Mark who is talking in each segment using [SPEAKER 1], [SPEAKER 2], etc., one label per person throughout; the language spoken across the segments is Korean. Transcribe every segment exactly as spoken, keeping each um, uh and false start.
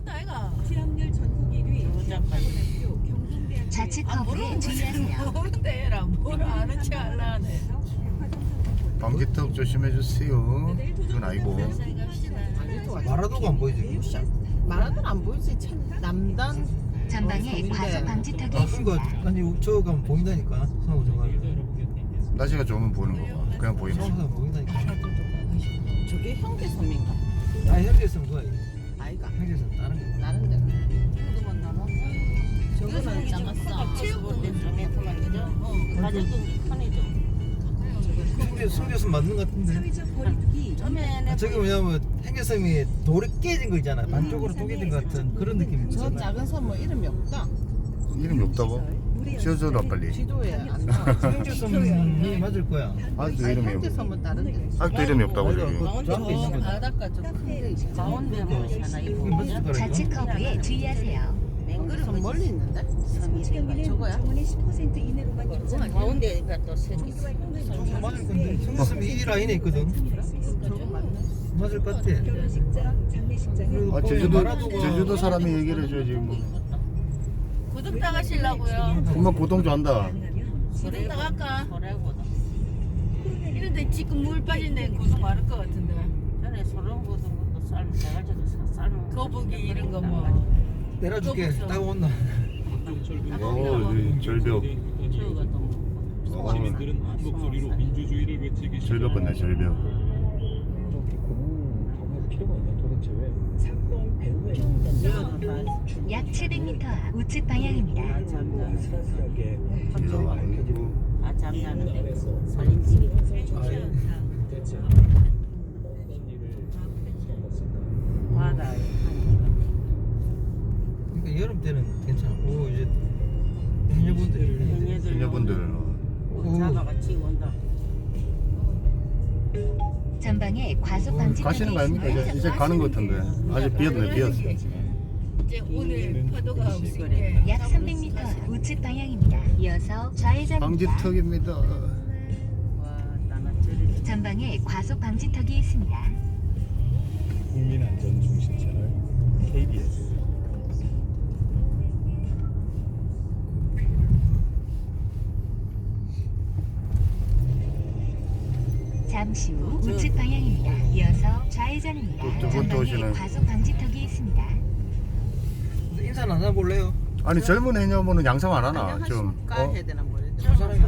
[SPEAKER 1] 모른다 아이가.
[SPEAKER 2] 취업률 전국 일 위
[SPEAKER 3] 좌측
[SPEAKER 1] 아
[SPEAKER 3] 커브에
[SPEAKER 1] 모르는
[SPEAKER 3] 주의하세요.
[SPEAKER 1] 모른대 해라. 뭘 아는 체 할라네.
[SPEAKER 4] 방지턱 조심해주세요. 이건 아니고.
[SPEAKER 5] 마라도가 안 보이지?
[SPEAKER 6] 마라톤 안 보이지? 참 남단
[SPEAKER 3] 전방에 과속 방지턱이
[SPEAKER 5] 아
[SPEAKER 3] 있습니다.
[SPEAKER 5] 그러니까 아니 저 가면 보인다니까. 상호 저가.
[SPEAKER 4] 날씨가 좋으면 보이는 거고. 그냥 보이는
[SPEAKER 5] 상호
[SPEAKER 4] 거.
[SPEAKER 5] 가면 보인다니까.
[SPEAKER 6] 저게 형제섬인가?
[SPEAKER 5] 아 현지에서는 그거야.
[SPEAKER 6] 아이가
[SPEAKER 5] 현지에서는 다른 거.
[SPEAKER 6] 다른 데가
[SPEAKER 1] 그만 남아.
[SPEAKER 6] 저거는 작았어.
[SPEAKER 1] 체육관
[SPEAKER 6] 메트만 그죠?
[SPEAKER 1] 어.
[SPEAKER 6] 가져도 편이죠.
[SPEAKER 5] 현지 성교선 맞는 것 같은데.
[SPEAKER 2] 사회적 거리두기
[SPEAKER 6] 처음에는
[SPEAKER 5] 아, 저기 뭐냐면 henges섬이 돌이 깨진 거 있잖아. 반쪽으로 쪼개진 것 같은 그런 느낌이
[SPEAKER 6] 저
[SPEAKER 5] 있잖아.
[SPEAKER 6] 작은 섬 뭐 이름이 없다.
[SPEAKER 4] 이름이 없다고? 지어줘라 빨리.
[SPEAKER 6] 지도에 안 나와.
[SPEAKER 5] henges섬이 맞을 거야.
[SPEAKER 4] 아직도 이름이 없.
[SPEAKER 6] 형제섬은 다른데.
[SPEAKER 4] 아직도 이름이 없다고 저기.
[SPEAKER 5] 저 앞에 있는 거죠.
[SPEAKER 6] 바닷가 저 큰데 가운데 뭐 하나
[SPEAKER 5] 그게
[SPEAKER 6] 이거
[SPEAKER 5] 맞을 거라니까.
[SPEAKER 3] 좌측 커브에 주의하세요.
[SPEAKER 6] 맹그릇은 멀리 있는데?
[SPEAKER 2] 경기는
[SPEAKER 6] 저거야?
[SPEAKER 2] 정원의 십 퍼센트 이내로만 조정하고
[SPEAKER 6] 가운데가 또 색이
[SPEAKER 5] 저거 맞을 건데. henges섬이 이 라인에 있거든.
[SPEAKER 6] 저거 맞네.
[SPEAKER 5] 맞을 것 같아.
[SPEAKER 2] 결혼식장, 장례식장
[SPEAKER 4] 아 제주도 제주도 사람이 얘기를 해줘야지 뭐.
[SPEAKER 1] 구독 당하시려고요.
[SPEAKER 4] 엄마 고동 좋아한다.
[SPEAKER 1] 구독 당할까?
[SPEAKER 6] 소래고도
[SPEAKER 1] 이런데 지금 물 빠진 데는 구독 많을 것 같은데.
[SPEAKER 6] 전에 소래고도 것도 삶 내가지고 삶은
[SPEAKER 1] 거북이 이런 거 뭐.
[SPEAKER 5] 내려줄게. 딱 온나.
[SPEAKER 4] 오 여기 절벽.
[SPEAKER 6] 저거가 또
[SPEAKER 4] 어,
[SPEAKER 7] 시민들은 한 목소리로 민주주의를 외치기
[SPEAKER 4] 절벽 같네 절벽.
[SPEAKER 3] 약 칠백 미터 앞 우측 방향입니다.
[SPEAKER 4] 이거 아니고.
[SPEAKER 6] 아 잠자는데 살림집이 바다에
[SPEAKER 5] 그러니까 여름 때는 괜찮아. 오 이제 해녀분들이
[SPEAKER 6] 해녀들
[SPEAKER 4] 해녀분들.
[SPEAKER 6] 잡아같이 온다.
[SPEAKER 3] 전방에 과속
[SPEAKER 4] 어,
[SPEAKER 3] 방지턱이
[SPEAKER 4] 가시는 거 아닙니까? 이제, 이제 가는 것 같은데. 아직 비었네 비었어.
[SPEAKER 1] 이제 오늘 파도가 없으니까.
[SPEAKER 3] 약 삼백 미터 앞 우측 방향입니다. 이어서 좌회전입니다.
[SPEAKER 4] 방지턱입니다.
[SPEAKER 6] 와 나는 저리
[SPEAKER 3] 전방에 과속 방지턱이 있습니다.
[SPEAKER 7] 국민안전 중심 채널 케이비에스
[SPEAKER 3] 잠시 후 우측 방향입니다. 이어서 좌회전입니다.
[SPEAKER 4] 또 저번 또
[SPEAKER 3] 전방에
[SPEAKER 4] 오시네.
[SPEAKER 3] 과속 방지턱이 있습니다.
[SPEAKER 5] 인사 안 해볼래요?
[SPEAKER 4] 아니 젊은 해녀분은 양상 안 하나? 좀
[SPEAKER 6] 까
[SPEAKER 4] 어?
[SPEAKER 6] 해야 되나 모르겠네.
[SPEAKER 5] 저 사람이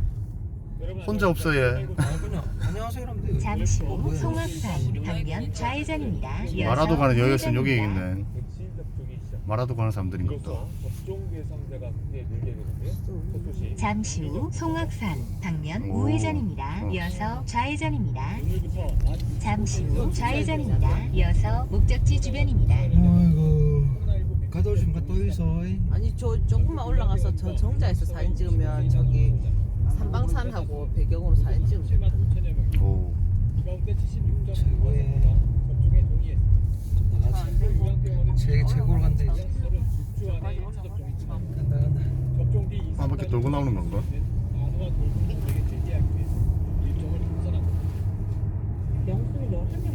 [SPEAKER 4] 혼자 없어 얘.
[SPEAKER 5] 아 그냥 안녕하세요 이러면 돼요.
[SPEAKER 3] 잠시
[SPEAKER 5] 어,
[SPEAKER 3] 후
[SPEAKER 5] 뭐야.
[SPEAKER 3] 송악산 방면 좌회전입니다. 이어서
[SPEAKER 4] 마라도 가는 여기였으면 여기
[SPEAKER 3] 우회전입니다.
[SPEAKER 4] 있네. 마라도 가는 사람들인가 보다.
[SPEAKER 7] 접종 대상자가 크게 늘게 되는데요. 소토시
[SPEAKER 3] 잠시 후 송악산 방면
[SPEAKER 4] 오.
[SPEAKER 3] 우회전입니다.
[SPEAKER 4] 어.
[SPEAKER 3] 이어서 좌회전입니다.
[SPEAKER 7] 오늘부터
[SPEAKER 3] 잠시 후 좌회전입니다. 이어서 목적지 주변입니다.
[SPEAKER 5] 아이고 갔다 오시면 갔다 오이소.
[SPEAKER 6] 아니 저 조금만 올라가서 저 정자에서 사진 찍으면 저기 삼방산하고 배경으로 사진 찍으면
[SPEAKER 7] 칠만 오천여 명이
[SPEAKER 4] 오.
[SPEAKER 7] 이 가운데 칠십육 점
[SPEAKER 5] 최고의
[SPEAKER 7] 접종에 동의했습니다.
[SPEAKER 5] 나가지. 제 최고로 간대 이제.
[SPEAKER 7] 서른육 주 안에 일 차 접종이 참
[SPEAKER 5] 간다 간다.
[SPEAKER 7] 접종 뒤
[SPEAKER 4] 한 바퀴 돌고 나오는 건가?
[SPEAKER 7] 안와 돌고에게 제기하기 위해서 일정을 분산합니다.
[SPEAKER 2] 영수는 열한 명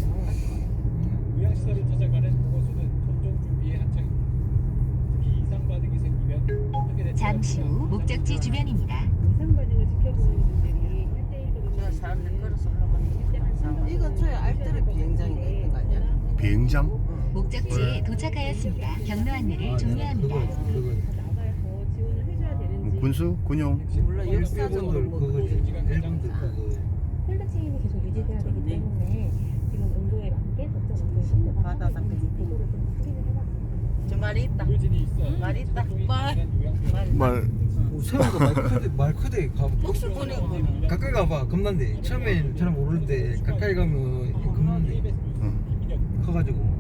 [SPEAKER 2] 맞았어.
[SPEAKER 7] 요양시설을 찾아가는 보건소는 접종 준비에 한창입니다. 특히 이상 반응이 생기면 어떻게 대처할지
[SPEAKER 3] 잠시 후 목적지 주변입니다.
[SPEAKER 2] 이상 반응을 지켜보는 분들이 일대일로
[SPEAKER 6] 저 사람들 걸어서 올라가는 이 근처에 알뜰한 비행장이 있는 거 아니야?
[SPEAKER 4] 비행장?
[SPEAKER 3] 목적지에 도착하였습니다. 경로 안내를 종료합니다.
[SPEAKER 5] 그거 그거.
[SPEAKER 2] 나가서 지원을 해줘야
[SPEAKER 4] 뭐
[SPEAKER 2] 되는지
[SPEAKER 4] 군수? 군용?
[SPEAKER 6] 물론 역사적으로
[SPEAKER 5] 일본들
[SPEAKER 6] 뭐
[SPEAKER 5] 그거지. 일본들 그거.
[SPEAKER 2] 콜드 체인이 계속 유지돼야 되기 때문에 지금 온도에 맞게 적정 온도의湿도가
[SPEAKER 6] 바다 담배
[SPEAKER 2] 도를 좀 확인을 해봤습니다.
[SPEAKER 6] 저 말이 있다.
[SPEAKER 7] 의료진이 있어
[SPEAKER 6] 말이 있다.
[SPEAKER 1] 말.
[SPEAKER 4] 말
[SPEAKER 5] 세우가 말 크대 말 크대 가.
[SPEAKER 1] 목줄 보내고.
[SPEAKER 5] 가까이 가봐 겁난데. 처음엔 잘 모르는데 가까이 가면 겁난데.
[SPEAKER 4] 응.
[SPEAKER 5] 커가지고.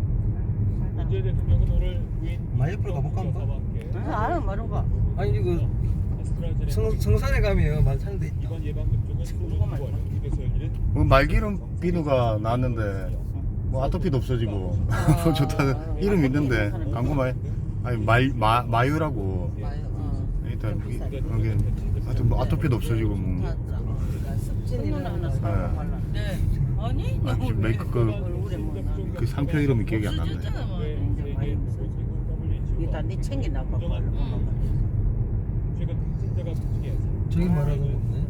[SPEAKER 7] 문재인 대통령은 오늘 부인
[SPEAKER 5] 마이애플 가볼까 한번?
[SPEAKER 6] 알아 모르는 거.
[SPEAKER 5] 아니 이거 성, 성산에 가면 많다는 데 있다.
[SPEAKER 7] 이번 예방접종은 오는 구월 미국에서 열리는
[SPEAKER 4] 뭐 말기름 비누가 나왔는데 뭐 아토피도 없어지고 뭐 좋다 이름 있는데 광고 많이 아니 말 마, 마유라고
[SPEAKER 6] 마요. 어.
[SPEAKER 4] 일단 그게 하여튼 뭐 아토피도 없어지고 뭐
[SPEAKER 6] 습진이나 하나 사고
[SPEAKER 4] 네.
[SPEAKER 6] 말라.
[SPEAKER 1] 네. 아니
[SPEAKER 4] 아,
[SPEAKER 1] 너무
[SPEAKER 4] 메이크 그,
[SPEAKER 6] 얼굴에 뭐 나는
[SPEAKER 4] 그 상표 이름이 기억이 안 나네.
[SPEAKER 1] 없어졌잖아 뭐.
[SPEAKER 8] 일단 네 챙기나 봐.
[SPEAKER 7] 최근 확진자가 중에
[SPEAKER 5] 저기 말하는 거 없네.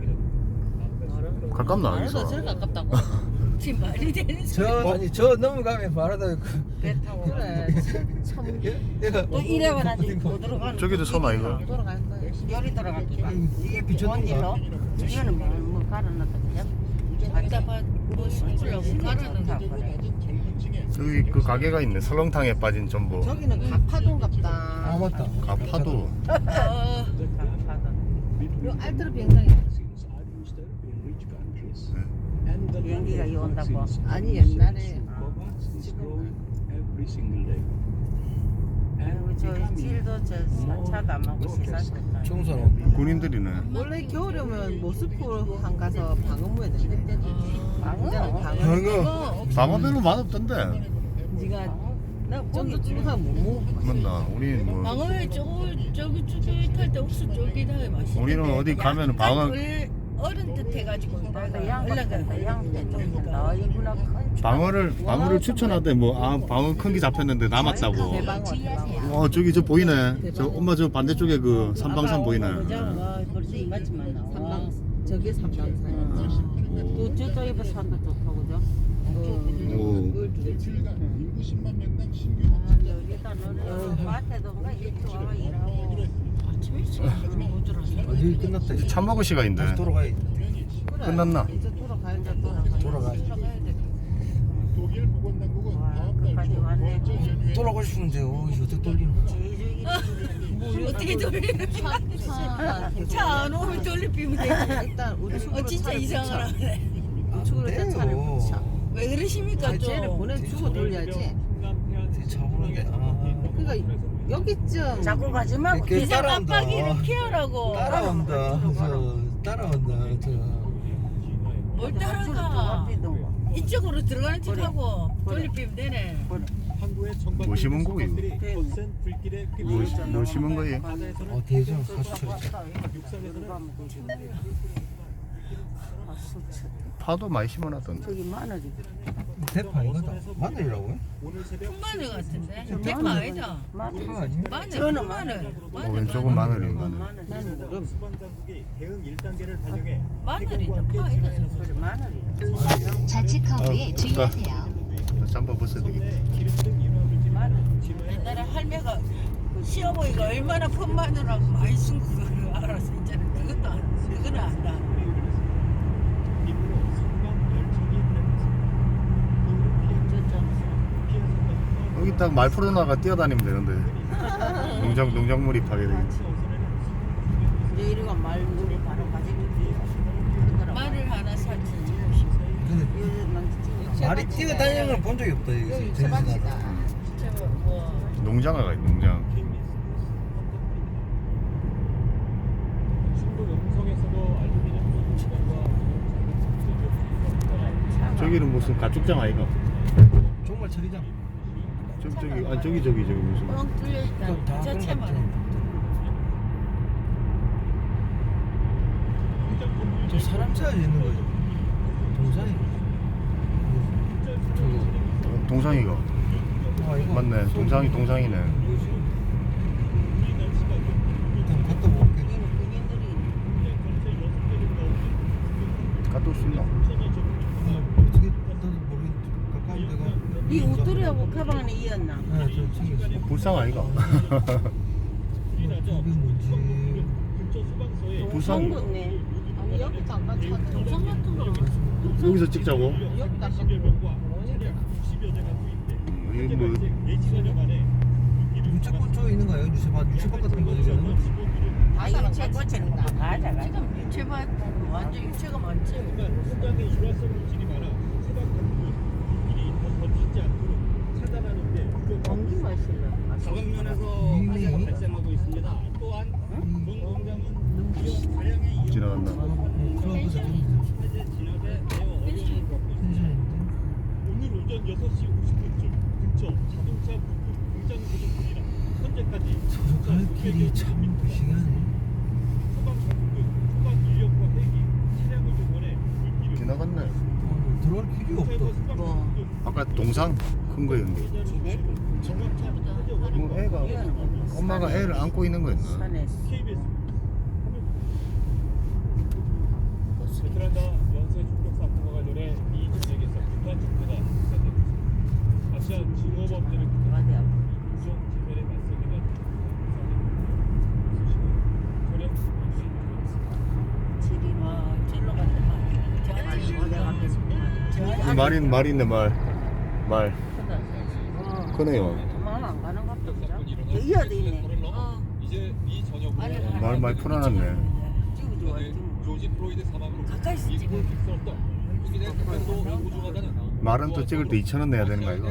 [SPEAKER 4] 가깝나
[SPEAKER 6] 말해서
[SPEAKER 4] 여기서?
[SPEAKER 6] 제일 가깝다고.
[SPEAKER 1] 지금 말이 되는 소리.
[SPEAKER 5] 저 아니 저 넘어가면 바로다 그
[SPEAKER 8] 배 타고
[SPEAKER 6] 그래. 참
[SPEAKER 5] 얘가
[SPEAKER 8] 또 이래 가는데 못 들어가는.
[SPEAKER 4] 저기도 섬 아이가?
[SPEAKER 6] 돌아갈 거야.
[SPEAKER 8] 열이 들어갈기가.
[SPEAKER 5] 이게
[SPEAKER 8] 먼
[SPEAKER 5] 비쳤는가?
[SPEAKER 8] 일로. 이거는 뭐, 뭐 갈아놨다 그냥.
[SPEAKER 1] 답답하 뭐 숨으려고 가라는 거.
[SPEAKER 4] 여기 그 가게가 있네. 설렁탕에 빠진 전복.
[SPEAKER 6] 저기는 가파도인갑다.
[SPEAKER 5] 아 맞다.
[SPEAKER 4] 가파도.
[SPEAKER 1] 아,
[SPEAKER 6] 요 알트로 비행장이
[SPEAKER 8] 비행기가 이 온다고.
[SPEAKER 6] 아니 옛날에
[SPEAKER 8] 그리고 저 길도 저 차도 안 먹고 시사했다.
[SPEAKER 5] 청소는
[SPEAKER 4] 군인들이네.
[SPEAKER 6] 원래 겨울에 오면 모스크로 한 가서 방어무에 된대.
[SPEAKER 8] 방어?
[SPEAKER 6] 방어.
[SPEAKER 5] 방어.
[SPEAKER 4] 방어 별로 맛없던데.
[SPEAKER 6] 네가 좀더 쫄깃하면 못 먹어.
[SPEAKER 4] 맞나? 우리 뭐
[SPEAKER 1] 방어회 저기 저기 쫄깃할 때 옥수수 쫄깃하게 맛있어.
[SPEAKER 4] 우리는 어디 가면은 방어
[SPEAKER 1] 어른 듯 해가지고
[SPEAKER 8] 나도 양반다 양반 좀 한다. 이구나 큰.
[SPEAKER 4] 방어를 방어를 추천하대 뭐 아 방어 큰 게 잡혔는데 남았다고.
[SPEAKER 6] 대방어 대방어.
[SPEAKER 4] 어 저기 저 보이네. 저 엄마 저 반대쪽에 그 삼방산 보이네.
[SPEAKER 8] 와 벌써 이만치만 나와.
[SPEAKER 6] 삼방 저게 삼방산이야.
[SPEAKER 8] 또 저쪽에 산도 좋고 그죠?
[SPEAKER 4] 오.
[SPEAKER 8] 여기다 너는 밭에도 뭔가 이렇게 와와 일하고.
[SPEAKER 1] 아침 일찍 못 들어서.
[SPEAKER 5] 어디 끝났다. 이제
[SPEAKER 4] 참 먹을 시간인데.
[SPEAKER 5] 다시 돌아가야 돼.
[SPEAKER 6] 그래.
[SPEAKER 4] 끝났나?
[SPEAKER 6] 이제 돌아가야 돼. 돌아가.
[SPEAKER 5] 돌아가.
[SPEAKER 7] 독일 보건당국은
[SPEAKER 8] 와
[SPEAKER 7] 다음 달
[SPEAKER 8] 끝까지 왔네.
[SPEAKER 5] 돌아가고 싶은데 어 어떻게 돌리노?
[SPEAKER 1] 어떻게 돌리는 차 안 오면 돌리면 되지.
[SPEAKER 6] 일단 우측으로
[SPEAKER 1] 어 진짜
[SPEAKER 6] 차를
[SPEAKER 1] 이상하네.
[SPEAKER 6] 붙여. 우측으로 내 차를
[SPEAKER 5] 돼요.
[SPEAKER 6] 붙여.
[SPEAKER 1] 왜 그러십니까
[SPEAKER 6] 아, 쟤를
[SPEAKER 1] 좀?
[SPEAKER 6] 보내주고 돌려야지.
[SPEAKER 5] 차오는데 아
[SPEAKER 6] 그러니까 여기쯤
[SPEAKER 8] 자꾸 가지 말고
[SPEAKER 5] 걔
[SPEAKER 1] 기상
[SPEAKER 5] 따라온다.
[SPEAKER 1] 깜빡이를 피하라고.
[SPEAKER 5] 따라온다. 저 따라온다. 저
[SPEAKER 1] 뭘 따라가? 이쪽으로 들어가는 척하고 돌리면 되네.
[SPEAKER 7] 항구의 정박
[SPEAKER 4] 뭐 심은 거예요?
[SPEAKER 7] 거센 불길에
[SPEAKER 4] 뭐, 뭐 심은 거예요?
[SPEAKER 5] 어 대전 사수처.
[SPEAKER 4] 파도 많이 심어놨던데.
[SPEAKER 8] 저기 마늘이.
[SPEAKER 5] 대파 이거다. 마늘이라고요?
[SPEAKER 7] 오늘 새벽
[SPEAKER 1] 콩마늘 같은데? 대파 아니다.
[SPEAKER 8] 마늘.
[SPEAKER 5] 파 아니야?
[SPEAKER 1] 마늘,
[SPEAKER 8] 저는
[SPEAKER 1] 콩마늘.
[SPEAKER 4] 어, 왼쪽은 마늘이 마늘.
[SPEAKER 8] 나는 모름.
[SPEAKER 7] 수방당국이 대응 일 단계를 발령해
[SPEAKER 1] 마늘이다. 파 아니다.
[SPEAKER 8] 그래 마늘이.
[SPEAKER 3] 좌측 커브에
[SPEAKER 4] 어,
[SPEAKER 3] 주의하세요.
[SPEAKER 4] 잠바 벗어야 되겠다.
[SPEAKER 7] 기름등 이물질이나
[SPEAKER 1] 옛날에 할매가 시어머니가 얼마나 폰마늘하고 많이 쓴 그거를 알았어. 이제는 그것도 안, 그거는 안다.
[SPEAKER 7] 이후로 순간 열척이
[SPEAKER 4] 여기 딱 말프로나가 뛰어다니면 되는데. 농장 농작물이 파괴되겠지.
[SPEAKER 8] 이제 이리가 말물이 바로 가지고.
[SPEAKER 1] 말을 하나 사지.
[SPEAKER 5] 근데 말이 뛰어다니는 걸 본 적이 없다
[SPEAKER 6] 여기
[SPEAKER 5] 여기서.
[SPEAKER 6] 세박이다.
[SPEAKER 1] 저 뭐.
[SPEAKER 4] 농장을 가 농장.
[SPEAKER 7] 충북 음성에서도 알루미늄 소비량과
[SPEAKER 4] 저기는 무슨 가축장 아이가?
[SPEAKER 5] 정말 처리장.
[SPEAKER 4] 저기 저기 아 저기 저기 저기 무슨
[SPEAKER 1] 뻥 뚫려 있다.
[SPEAKER 5] 그건 다 그런 것
[SPEAKER 1] 자체만.
[SPEAKER 5] 같아. 저 사람 차에 있는 거죠. 동산이. 저거.
[SPEAKER 4] 어, 동상이가
[SPEAKER 5] 아 이거.
[SPEAKER 4] 맞네. 동상이 동상이네.
[SPEAKER 5] 뭐지? 일단 갔다 볼게.
[SPEAKER 4] 갔다 올 수 있나?
[SPEAKER 5] 어떻게 나도 모르겠는데 가까운 데가.
[SPEAKER 8] 이 옷들이하고 가방 안에 이었나?
[SPEAKER 5] 네, 저 챙겼어.
[SPEAKER 4] 불상 아이가?
[SPEAKER 5] 이게 뭔지.
[SPEAKER 4] 불상
[SPEAKER 8] 동네.
[SPEAKER 6] 아니 여기 잠깐 차 정상 같은 거.
[SPEAKER 4] 여기서 찍자고?
[SPEAKER 6] 여기 잠깐
[SPEAKER 4] 이게 뭐
[SPEAKER 5] 유채꽃 쪽에 있는 거예요? 유채밭, 유채밭 같은 거 지금?
[SPEAKER 8] 아 이거 제 거치는 거 가자 가자.
[SPEAKER 1] 지금 유채밭 완전 유채가 많지.
[SPEAKER 7] 현장에 유화성 물질이 많아 세방 당국은 불길이 더 번지지 않도록 차단하는데
[SPEAKER 8] 공기 마실래?
[SPEAKER 7] 저강면에서 화재가 발생하고 있습니다. 또한 본 공장은 다량의
[SPEAKER 4] 지나간다.
[SPEAKER 5] 클럽에서
[SPEAKER 7] 화재 진압에 매우 어려운
[SPEAKER 5] 텐션인데?
[SPEAKER 7] 오늘 오전 여섯 시 오십 분쯤 근처 자동차 부품 공장 구조물이라 현재까지
[SPEAKER 5] 저갈 길이 참 무시하네.
[SPEAKER 7] 소방 당국은 소방 인력과 헬기, 차량을 동원해 불길을
[SPEAKER 4] 지나갔네.
[SPEAKER 5] 오늘 들어갈 길이 없다.
[SPEAKER 7] 소방 당국은
[SPEAKER 4] 아까 동상 큰 거였는데. 뭐 애가 엄마가 애를 안고 있는 거였나?
[SPEAKER 8] 산에
[SPEAKER 7] 케이비에스 베트남과 연쇄 총격 사건과 관련해 미 전역에서 극한 정부가 수사되고 아시안 증오범죄를 극복하고 인종 지배에 맞서기는 소식은 전혀
[SPEAKER 1] 아, 절로 갔다.
[SPEAKER 4] 이 말이 말이 있네 말. 말. 크네요.
[SPEAKER 8] 엄마는 안 가는 것도 없죠. 저 이어도 있네.
[SPEAKER 1] 어.
[SPEAKER 7] 이제 미 전역으로
[SPEAKER 1] 아니,
[SPEAKER 4] 말 많이 풀어놨네.
[SPEAKER 1] 찍어줘.
[SPEAKER 7] 네, 조지 프로이드 사망으로
[SPEAKER 1] 가까이서 찍어.
[SPEAKER 7] 잊고 있을 수 없던 한국인의 생명도 소중하다는
[SPEAKER 4] 말은 또 찍을 때 이천 원 내야 되는 거 아이가?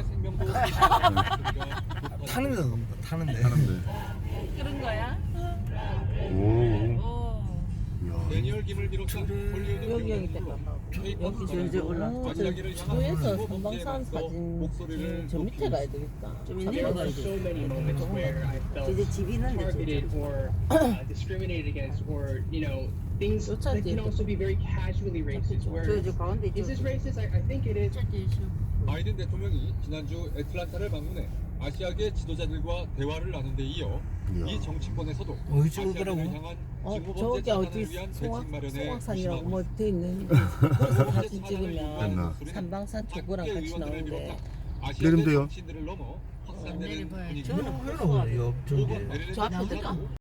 [SPEAKER 5] 타는 데도 없다. 타는 데.
[SPEAKER 4] 하는데.
[SPEAKER 1] 그런 거야?
[SPEAKER 4] 오.
[SPEAKER 1] 오.
[SPEAKER 4] 이야.
[SPEAKER 7] 데니얼 김을 비롯한 홀리우드
[SPEAKER 6] 여기 여기
[SPEAKER 7] 배우들로
[SPEAKER 6] 여기 저기 올라.
[SPEAKER 7] 마지막에를 향한
[SPEAKER 6] 주에서
[SPEAKER 7] 모범
[SPEAKER 6] 삼방산
[SPEAKER 7] 대회에서
[SPEAKER 6] 사진
[SPEAKER 7] 목소리를
[SPEAKER 6] 저 밑에 가야 되겠다.
[SPEAKER 1] 좀 내려가야
[SPEAKER 9] so
[SPEAKER 1] 돼.
[SPEAKER 9] many moments where I felt
[SPEAKER 8] 이제 집 있는데
[SPEAKER 9] targeted or uh, discriminated against, or you know, things that can also be very casually racist. Where
[SPEAKER 8] 저저 가운데
[SPEAKER 9] is
[SPEAKER 8] 있죠.
[SPEAKER 9] this racist? I, I think it is.
[SPEAKER 7] 바이든 대통령이 지난주 애틀란타를 방문해 아시아계 지도자들과 대화를 나눈 데 이어
[SPEAKER 4] 이야.
[SPEAKER 7] 이 정치권에서도
[SPEAKER 5] 어디 찍을 거라고?
[SPEAKER 7] 아시아계를 향한
[SPEAKER 6] 어
[SPEAKER 7] 징후범죄
[SPEAKER 6] 저기 어디
[SPEAKER 7] 차단을 위한
[SPEAKER 6] 송악
[SPEAKER 7] 대책 마련에
[SPEAKER 6] 송악산이라고
[SPEAKER 7] 조심하고
[SPEAKER 6] 뭐
[SPEAKER 7] 있습니다.
[SPEAKER 6] 돼 있는 거기서 사진
[SPEAKER 7] 됐나?
[SPEAKER 6] 찍으면 삼방산 저거랑 같이 나오는데
[SPEAKER 4] 내리면 돼요.
[SPEAKER 7] 정치인들을 넘어 확산되는
[SPEAKER 1] 내려봐야지.
[SPEAKER 7] 분위기.
[SPEAKER 5] 저는 별로 없네. 옆 저기.
[SPEAKER 6] 저 앞에 들까?